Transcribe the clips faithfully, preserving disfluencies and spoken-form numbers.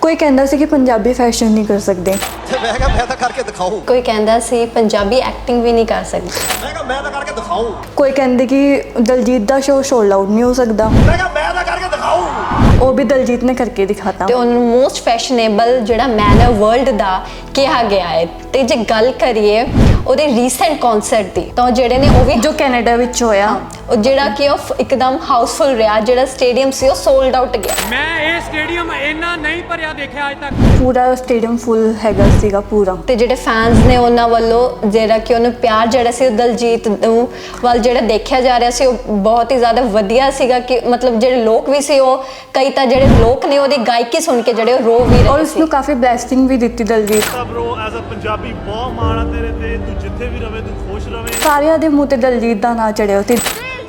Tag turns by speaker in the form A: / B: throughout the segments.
A: ਕੋਈ ਕਹਿੰਦਾ ਸੀ ਕਿ ਪੰਜਾਬੀ ਫੈਸ਼ਨ ਨਹੀਂ ਕਰ ਸਕਦੇ।
B: ਮੈਂ ਕਿਹਾ ਮੈਂ ਤਾਂ ਕਰਕੇ ਦਿਖਾਉ।
C: ਕੋਈ ਕਹਿੰਦਾ ਸੀ ਪੰਜਾਬੀ ਐਕਟਿੰਗ ਵੀ ਨਹੀਂ ਕਰ ਸਕਦੀ।
B: ਮੈਂ ਕਿਹਾ ਮੈਂ ਤਾਂ ਕਰਕੇ ਦਿਖਾਉ।
A: ਕੋਈ ਕਹਿੰਦੇ ਕਿ ਦਲਜੀਤ ਦਾ ਸ਼ੋਅ ਸੋਲਡ ਆਊਟ ਨਹੀਂ ਹੋ ਸਕਦਾ।
B: ਮੈਂ ਕਿਹਾ ਮੈਂ ਤਾਂ ਕਰਕੇ ਦਿਖਾਉ।
A: ਉਹ ਵੀ ਦਲਜੀਤ ਨੇ ਕਰਕੇ ਦਿਖਾਤਾ
C: ਤੇ ਉਹਨੂੰ ਮੋਸਟ ਫੈਸ਼ਨੇਬਲ ਜਿਹੜਾ ਮੈਨ ਹੈ ਵਰਲਡ ਦਾ ਕਿਹਾ ਗਿਆ ਹੈ। ਤੇ ਜੇ ਗੱਲ ਕਰੀਏ ਉਹਦੇ ਰੀਸੈਂਟ ਕਨਸਰਟ ਦੀ ਤਾਂ ਜਿਹੜੇ ਨੇ ਉਹ ਵੀ
A: ਜੋ ਕੈਨੇਡਾ ਵਿੱਚ ਹੋਇਆ,
C: ਉਹ ਜਿਹੜਾ ਕਿ ਉਹ ਇੱਕਦਮ ਹਾਊਸਫੁਲ ਰਿਹਾ। ਜਿਹੜਾ ਸਟੇਡੀਅਮ ਸੀ ਉਹ ਸੋਲਡ ਆਊਟ ਗਿਆ।
D: ਮੈਂ ਇਹ ਸਟੇਡੀਅਮ ਇੰਨਾ ਨਹੀਂ ਭਰਿਆ ਦੇਖਿਆ ਅੱਜ ਤੱਕ।
A: ਪੂਰਾ ਸਟੇਡੀਅਮ ਫੁੱਲ ਹੈਗਾ ਸੀਗਾ ਪੂਰਾ।
C: ਤੇ ਜਿਹੜੇ ਫੈਨਸ ਨੇ ਉਹਨਾਂ ਵੱਲੋਂ ਜਿਹੜਾ ਕਿ ਉਹਨੂੰ ਪਿਆਰ ਜਿਹੜਾ ਸੀ ਉਹ ਦਲਜੀਤ ਨੂੰ ਵੱਲ ਜਿਹੜਾ ਦੇਖਿਆ ਜਾ ਰਿਹਾ ਸੀ ਉਹ ਬਹੁਤ ਹੀ ਜ਼ਿਆਦਾ ਵਧੀਆ ਸੀਗਾ। ਕਿ ਮਤਲਬ ਜਿਹੜੇ ਲੋਕ ਵੀ ਸੀ ਉਹ ਕਈ ਤਾਂ ਜਿਹੜੇ ਲੋਕ ਨੇ ਉਹਦੀ ਗਾਇਕੀ ਸੁਣ ਕੇ ਜਿਹੜੇ ਉਹ ਰੋ ਵੀ ਰਹੇ
A: ਔਰ
C: ਸੀ।
A: ਉਸਨੂੰ ਕਾਫੀ ਬਲੈਸਿੰਗ ਵੀ ਦਿੱਤੀ Daljit.
E: Bro as a Punjabi ਬਹੁਤ ਮਾਣ ਆ ਤੇਰੇ ਤੇ, ਤੂੰ ਜਿੱਥੇ ਵੀ ਰਵੇਂ ਤੂੰ ਖੁਸ਼ ਰਵੇਂ।
A: ਸਾਰਿਆਂ ਦੇ ਮੂੰਹ ਤੇ ਦਲਜੀਤ ਦਾ ਨਾਂ ਚੜਿਆ ਸੀ।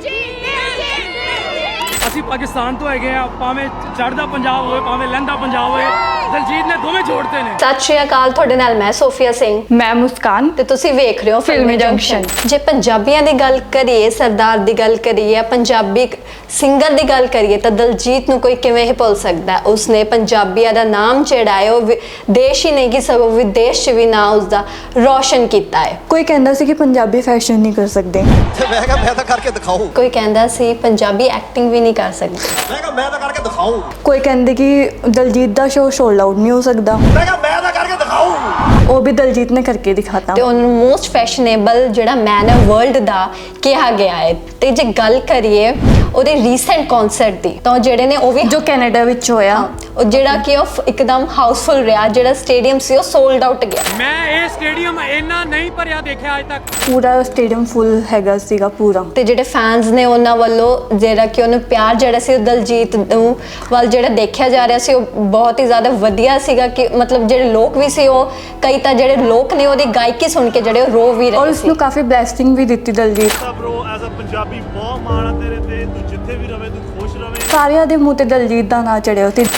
D: ਅਸੀਂ ਪਾਕਿਸਤਾਨ ਤੋਂ ਹੈਗੇ ਆ, ਭਾਵੇਂ ਚੜ੍ਹਦਾ ਪੰਜਾਬ ਹੋਵੇ ਭਾਵੇਂ ਲਹਿੰਦਾ ਪੰਜਾਬ ਹੋਵੇ, ਦਲਜੀਤ ਨੇ ਦੋਵੇਂ ਜੋੜਦੇ ਨੇ।
C: ਸਤਿ ਸ਼੍ਰੀ ਅਕਾਲ, ਤੁਹਾਡੇ ਨਾਲ ਮੈਂ ਸੋਫੀਆ ਸਿੰਘ
A: ਮੈਂ ਮੁਸਕਾਨ
C: ਤੇ ਤੁਸੀਂ ਵੇਖ ਰਹੇ ਹੋ
A: ਫਿਲਮੀ ਜੰਕਸ਼ਨ।
C: ਜੇ ਪੰਜਾਬੀਆਂ ਦੀ ਗੱਲ ਕਰੀਏ, ਸਰਦਾਰ ਦੀ ਗੱਲ ਕਰੀਏ, ਪੰਜਾਬੀ ਸਿੰਗਰ ਦੀ ਗੱਲ ਕਰੀਏ ਤਾਂ ਦਲਜੀਤ ਨੂੰ ਕੋਈ ਕਿਵੇਂ ਹੀ ਭੁੱਲ ਸਕਦਾ ਹੈ। ਉਸਨੇ ਪੰਜਾਬੀਆਂ ਦਾ ਨਾਮ ਜਿਹੜਾ ਹੈ ਉਹ ਦੇਸ਼ ਹੀ ਨਹੀਂ ਕਿ ਸਗੋਂ ਵਿਦੇਸ਼ 'ਚ ਵੀ ਨਾਂ ਉਸਦਾ ਰੌਸ਼ਨ ਕੀਤਾ ਹੈ।
A: ਕੋਈ ਕਹਿੰਦਾ ਸੀ ਕਿ ਪੰਜਾਬੀ ਫੈਸ਼ਨ ਨਹੀਂ ਕਰ ਸਕਦੇ।
B: ਮੈਂ ਕਿਹਾ ਮੈਂ ਤਾਂ ਕਰਕੇ ਦਿਖਾਉ।
C: ਕੋਈ ਕਹਿੰਦਾ ਸੀ ਪੰਜਾਬੀ ਐਕਟਿੰਗ ਵੀ ਨਹੀਂ ਕਰ ਸਕਦੀ।
B: ਮੈਂ ਕਿਹਾ ਮੈਂ ਤਾਂ ਕਰਕੇ ਦਿਖਾਉ।
A: ਕੋਈ ਕਹਿੰਦੇ ਕਿ ਦਲਜੀਤ ਦਾ ਸ਼ੋਅ ਸੋਲਡ ਆਊਟ ਨਹੀਂ ਹੋ ਸਕਦਾ।
B: ਮੈਂ ਕਿਹਾ ਮੈਂ ਤਾਂ ਕਰਕੇ ਦਿਖਾਉ।
A: ਉਹ ਵੀ ਦਲਜੀਤ ਨੇ ਕਰਕੇ ਦਿਖਾਤਾ
C: ਤੇ ਉਹਨੂੰ ਮੋਸਟ ਫੈਸ਼ਨੇਬਲ ਜਿਹੜਾ ਮੈਨ ਹੈ ਵਰਲਡ ਦਾ ਕਿਹਾ ਗਿਆ ਹੈ। ਤੇ ਜੇ ਗੱਲ ਕਰੀਏ ਉਹਦੇ ਰੀਸੈਂਟ ਕਨਸਰਟ ਦੀ ਤਾਂ ਜਿਹੜੇ ਨੇ ਉਹ ਵੀ
A: ਜੋ ਕੈਨੇਡਾ ਵਿੱਚ ਹੋਇਆ,
C: ਉਹ ਜਿਹੜਾ ਕਿ ਉਹ ਇੱਕਦਮ ਹਾਊਸਫੁਲ ਰਿਹਾ। ਜਿਹੜਾ ਸਟੇਡੀਅਮ ਸੀ ਉਹ ਸੋਲਡ ਆਊਟ ਗਿਆ।
D: ਮੈਂ ਇਹ ਸਟੇਡੀਅਮ ਇੰਨਾ ਨਹੀਂ ਭਰਿਆ ਦੇਖਿਆ ਅੱਜ ਤੱਕ।
A: ਪੂਰਾ ਸਟੇਡੀਅਮ ਫੁੱਲ ਹੈਗਾ ਸੀਗਾ ਪੂਰਾ।
C: ਤੇ ਜਿਹੜੇ ਫੈਨਸ ਨੇ ਉਹਨਾਂ ਵੱਲੋਂ ਜਿਹੜਾ ਕਿ ਉਹਨੂੰ ਪਿਆਰ ਜਿਹੜਾ ਸੀ ਉਹ ਦਲਜੀਤ ਨੂੰ ਵੱਲ ਜਿਹੜਾ ਦੇਖਿਆ ਜਾ ਰਿਹਾ ਸੀ ਉਹ ਬਹੁਤ ਹੀ ਜ਼ਿਆਦਾ ਵਧੀਆ ਸੀਗਾ। ਕਿ ਮਤਲਬ ਜਿਹੜੇ ਲੋਕ ਵੀ ਸੀ ਉਹ ਕਈ ਤਾਂ ਜਿਹੜੇ ਲੋਕ ਨੇ ਉਹਦੀ ਗਾਇਕੀ ਸੁਣ ਕੇ ਜਿਹੜੇ ਉਹ ਰੋ ਵੀ
A: ਔਰ
C: ਰਹੇ ਸੀ।
A: ਉਸਨੂੰ ਕਾਫੀ ਬਲੈਸਿੰਗ ਵੀ ਦਿੱਤੀ Daljit.
E: Bro as a Punjabi ਬਹੁਤ ਮਾਣ ਆ ਤੇਰੇ ਤੇ, ਤੂੰ ਜਿੱਥੇ ਵੀ ਰਵੇਂ ਤੂੰ ਖੁਸ਼ ਰਵੇਂ।
A: ਸਾਰਿਆਂ ਦੇ ਮੂੰਹ ਤੇ ਦਲਜੀਤ ਦਾ ਨਾਂ ਚੜਿਆ ਸੀ।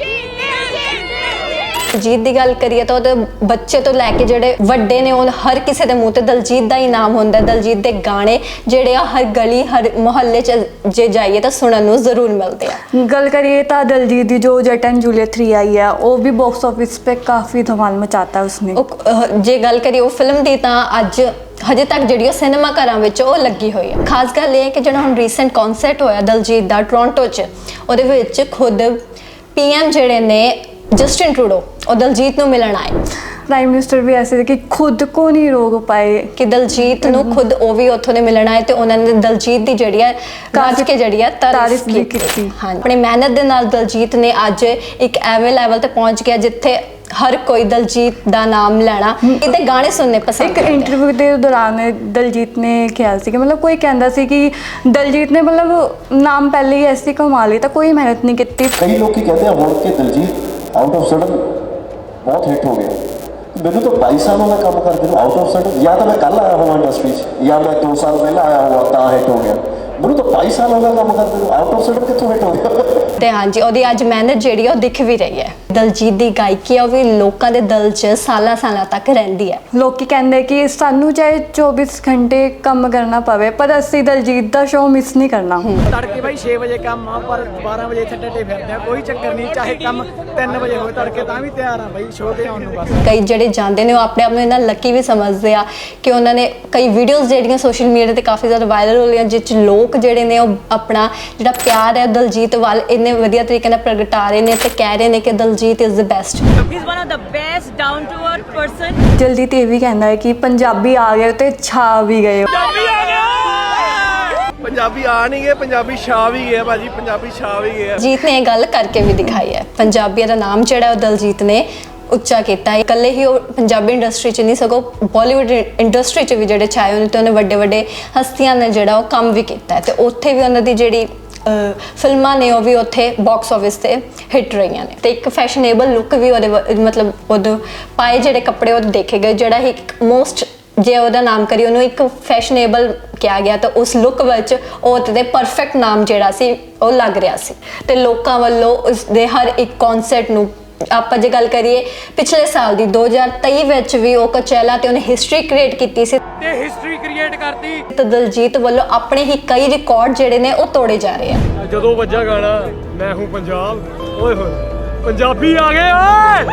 C: ਦਲਜੀਤ ਦੀ ਗੱਲ ਕਰੀਏ ਤਾਂ ਉਹਦੇ ਬੱਚੇ ਤੋਂ ਲੈ ਕੇ ਜਿਹੜੇ ਵੱਡੇ ਨੇ ਉਹ ਹਰ ਕਿਸੇ ਦੇ ਮੂੰਹ ਤੇ ਦਲਜੀਤ ਦਾ ਹੀ ਨਾਮ ਹੁੰਦਾ। ਦਲਜੀਤ ਦੇ ਗਾਣੇ ਜਿਹੜੇ ਆ ਹਰ ਗਲੀ ਹਰ ਮੁਹੱਲੇ 'ਚ ਜੇ ਜਾਈਏ ਤਾਂ ਸੁਣਨ ਨੂੰ ਜ਼ਰੂਰ ਮਿਲਦੇ ਆ।
A: ਗੱਲ ਕਰੀਏ ਤਾਂ ਦਲਜੀਤ ਦੀ ਜੋ ਜੱਟ ਐਂਡ ਜੂਲੀਅਟ ਥ्री आई है वो भी बॉक्स ऑफिस पे काफी धमाल मचाता है उसने।
C: ਉਹ ਅਹ, ਜੇ ਗੱਲ ਕਰੀਏ ਉਹ ਫਿਲਮ ਦੀ ਤਾਂ ਅੱਜ ਹਜੇ ਤੱਕ ਜਿਹੜੀ ਉਹ ਸਿਨੇਮਾ ਘਰਾਂ ਵਿੱਚ ਉਹ ਲੱਗੀ ਹੋਈ ਹੈ। ਖਾਸ ਗੱਲ ਇਹ ਹੈ ਕਿ ਜਿਹੜਾ ਹੁਣ ਰੀਸੈਂਟ ਕਨਸਰਟ ਹੋਇਆ ਦਲਜੀਤ ਦਾ ਟੋਰਾਂਟੋ 'ਚ, ਉਹਦੇ ਵਿੱਚ ਖੁਦ ਪੀਐਮ ਜਿਹੜੇ ਨੇ ਜਸਟਿਨ ਟਰੂਡੋ ਉਹ ਦਲਜੀਤ ਨੂੰ ਮਿਲਣ ਆਏ।
A: प्राइम मिनिस्टर भी ऐसे थे कि खुद को नहीं रोक पाए
C: ਕਿ ਦਲਜੀਤ ਨੂੰ ਖੁਦ ਉਹ ਵੀ ਉੱਥੋਂ ਦੇ ਮਿਲਣ ਆਏ ਤੇ ਉਹਨਾਂ ਨੇ ਦਲਜੀਤ ਦੀ ਜਿਹੜੀ ਹੈ ਗੱਜ ਕੇ ਜਿਹੜੀ ਹੈ ਤਾਰੀਫ
A: ਵੀ
C: ਕੀਤੀ।
A: ਕੀਤੀ।
C: ਹਾਂ, ਆਪਣੀ ਮਿਹਨਤ ਦੇ ਨਾਲ ਦਲਜੀਤ ਨੇ ਅੱਜ ਇੱਕ ਐਵੇਂ ਲੈਵਲ ਤੇ ਪਹੁੰਚ ਗਿਆ ਜਿੱਥੇ ਹਰ ਕੋਈ ਦਲਜੀਤ ਦਾ ਨਾਮ ਲੈਣਾ ਇਹਦੇ ਗਾਣੇ ਸੁਣਨੇ ਪਸੰਦ
A: ਇੱਕ
C: ਕਰਦਾ ਹੈ।
A: ਇੰਟਰਵਿਊ ਦੇ ਦੌਰਾਨ ਦਲਜੀਤ ਨੇ ਕਿਹਾ ਸੀ ਕਿ ਮਤਲਬ ਕੋਈ ਕਹਿੰਦਾ ਸੀ ਕਿ ਦਲਜੀਤ ਨੇ ਮਤਲਬ ਨਾਮ ਪਹਿਲੇ ਹੀ ਐਸੀ ਕਮਾ ਲਈ ਤਾਂ ਕੋਈ ਮਿਹਨਤ ਨਹੀਂ ਕੀਤੀ।
F: ਕਈ ਲੋਕੀ ਕਹਿੰਦੇ ਆ ਹੁਣ ਕਿ ਦਲਜੀਤ ਆਊਟ ਆਫ ਸਡਨ ਬਹੁਤ ਹਿੱਟ ਹੋ ਗਿਆ। ਮੈਨੂੰ ਤਾਂ ਬਾਈ ਸਾਲਾਂ ਦਾ ਕੰਮ ਕਰਦੇ ਨੂੰ ਆਊਟ ਆਫ ਸਡਨ, ਜਾਂ ਤਾਂ ਮੈਂ ਕੱਲ ਆਇਆ ਹੋਵਾਂ ਇੰਡਸਟਰੀ 'ਚ ਜਾਂ ਮੈਂ ਦੋ ਸਾਲ ਪਹਿਲਾਂ ਆਇਆ ਹੋਵਾਂ ਤਾਂ ਹਿੱਟ ਹੋ ਗਿਆ। ਮੈਨੂੰ ਤਾਂ ਬਾਈ ਸਾਲਾਂ ਦਾ ਕੰਮ ਕਰਦੇ ਨੂੰ ਆਊਟ ਆਫ ਸਡਨ ਕਿੱਥੋਂ ਹਿੱਟ ਹੋ ਗਿਆ।
C: ਤੇ ਹਾਂਜੀ, ਉਹਦੀ ਅੱਜ ਮਿਹਨਤ ਜਿਹੜੀ ਆ ਉਹ ਦਿਖ ਵੀ ਰਹੀ ਹੈ। ਦਲਜੀਤ ਦੀ ਗਾਇਕੀ ਆ ਉਹ ਵੀ ਲੋਕਾਂ ਦੇ ਦਿਲ 'ਚ ਸਾਲਾਂ ਸਾਲਾਂ ਤੱਕ ਰਹਿੰਦੀ ਹੈ।
A: ਲੋਕੀ ਕਹਿੰਦੇ ਕਿ ਸਾਨੂੰ ਚਾਹੇ ਚੌਬੀਸ ਘੰਟੇ ਕੰਮ ਕਰਨਾ ਪਵੇ ਪਰ ਅਸੀਂ ਦਲਜੀਤ ਦਾ ਸ਼ੋਅ ਮਿਸ ਨਹੀਂ ਕਰਨਾ।
G: ਤੜਕੇ ਬਾਈ ਛੇ ਵਜੇ ਕੰਮ ਆ ਪਰ ਬਾਰਾਂ ਵਜੇ ਇੱਥੇ ਡੱਡੇ ਫਿਰਦੇ ਆ, ਕੋਈ ਚੱਕਰ ਨਹੀਂ। ਚਾਹੇ ਕੰਮ ਤਿੰਨ ਵਜੇ ਹੋਵੇ ਤੜਕੇ ਤਾਂ ਵੀ ਤਿਆਰ ਆ ਬਾਈ ਸ਼ੋਅ ਤੇ ਆਉਣ ਨੂੰ। ਬਸ
C: ਕਈ ਜਿਹੜੇ ਜਾਂਦੇ ਨੇ ਉਹ ਆਪਣੇ ਆਪ ਨੂੰ ਇਹਨਾਂ ਲੱਕੀ ਵੀ ਸਮਝਦੇ ਆ ਕਿ ਉਹਨਾਂ ਨੇ ਕਈ ਵੀਡੀਓਜ਼ ਜਿਹੜੀਆਂ ਸੋਸ਼ਲ ਮੀਡੀਆ ਤੇ ਕਾਫੀ ਜ਼ਿਆਦਾ ਵਾਇਰਲ ਹੋ ਰਹੀਆਂ ਜਿਸ 'ਚ ਲੋਕ ਜਿਹੜੇ ਨੇ ਉਹ ਆਪਣਾ ਜਿਹੜਾ ਪਿਆਰ ਹੈ ਦਲਜੀਤ ਵੱਲ ਇੰਨੇ ਵਧੀਆ ਤਰੀਕੇ ਨਾਲ ਪ੍ਰਗਟਾ ਰਹੇ ਨੇ ਤੇ ਕਹਿ ਰਹੇ ਨੇ ਕਿ Daljit is the best.
H: He's one of the best down to earth person.
A: ਜਲਦੀ ਤੇ ਇਹ ਵੀ ਕਹਿੰਦਾ ਹੈ ਕਿ ਪੰਜਾਬੀ ਆ ਗਏ ਤੇ ਛਾ ਵੀ ਗਏ।
E: ਪੰਜਾਬੀ ਆ ਨਹੀਂ ਗਏ, ਪੰਜਾਬੀ ਛਾ ਵੀ ਗਏ ਭਾਜੀ, ਪੰਜਾਬੀ ਛਾ ਵੀ ਗਏ।
C: ਜੀਤ ਨੇ ਇਹ ਗੱਲ ਕਰਕੇ ਵੀ ਦਿਖਾਈ ਹੈ। ਪੰਜਾਬੀਆਂ ਦਾ ਨਾਮ ਜਿਹੜਾ ਉਹ ਦਲਜੀਤ ਨੇ ਉੱਚਾ ਕੀਤਾ ਹੈ। ਇਕੱਲੇ ਹੀ ਉਹ ਪੰਜਾਬੀ ਇੰਡਸਟਰੀ 'ਚ ਨਹੀਂ ਸਗੋਂ ਬਾਲੀਵੁੱਡ ਇੰਡਸਟਰੀ 'ਚ ਵੀ ਜਿਹੜੇ ਛਾਏ ਹੋਏ ਨੇ ਤੇ ਉਹਨੇ ਵੱਡੇ ਵੱਡੇ ਹਸਤੀਆਂ ਨੇ ਜਿਹੜਾ ਉਹ ਕੰਮ ਵੀ ਕੀਤਾ ਹੈ ਤੇ ਉੱਥੇ ਵੀ ਉਹਨਾਂ ਦੀ ਜਿਹੜੀ ਫਿਲਮਾਂ ਨੇ ਉਹ ਵੀ ਉੱਥੇ ਬਾਕਸ ਆਫਿਸ ਤੇ ਹਿੱਟ ਰਹੀਆਂ ਨੇ। ਤੇ ਇੱਕ ਫੈਸ਼ਨੇਬਲ ਲੁੱਕ ਵੀ ਉਹਦੇ ਮਤਲਬ ਉਹਦੇ ਪਾਏ ਜਿਹੜੇ ਕੱਪੜੇ ਉਹ ਦੇਖੇ ਗਏ, ਜਿਹੜਾ ਇੱਕ ਮੋਸਟ ਜੇ ਉਹਦਾ ਨਾਮ ਕਰੀ ਉਹਨੂੰ ਇੱਕ ਫੈਸ਼ਨੇਬਲ ਕਿਹਾ ਗਿਆ ਤਾਂ ਉਸ ਲੁੱਕ ਵਿੱਚ ਉਹ ਤੇ ਪਰਫੈਕਟ ਨਾਮ ਜਿਹੜਾ ਸੀ ਉਹ ਲੱਗ ਰਿਹਾ ਸੀ। ਤੇ ਲੋਕਾਂ ਵੱਲੋਂ ਉਸ ਦੇ ਹਰ ਇੱਕ ਕਨਸਰਟ ਨੂੰ ਆਪਾਂ ਜੇ ਗੱਲ ਕਰੀਏ ਪਿਛਲੇ ਸਾਲ ਦੀ ਦੋ ਹਜ਼ਾਰ ਤੇਈ ਵਿੱਚ ਵੀ ਉਹ ਕਚੈਲਾ ਤੇ ਉਹਨੇ ਹਿਸਟਰੀ ਕ੍ਰੀਏਟ ਕੀਤੀ ਸੀ
D: ਤੇ ਹਿਸਟਰੀ ਕ੍ਰੀਏਟ ਕਰਤੀ।
C: ਤੇ ਦਲਜੀਤ ਵੱਲੋਂ ਆਪਣੇ ਹੀ ਕਈ ਰਿਕਾਰਡ ਜਿਹੜੇ ਨੇ ਉਹ ਤੋੜੇ ਜਾ ਰਹੇ ਆ।
E: ਜਦੋਂ ਵੱਜਾ ਗਾਣਾ ਮੈਂ ਹੂੰ ਪੰਜਾਬ, ਓਏ ਹੋਏ
D: ਪੰਜਾਬੀ ਆ ਗਏ ਓਏ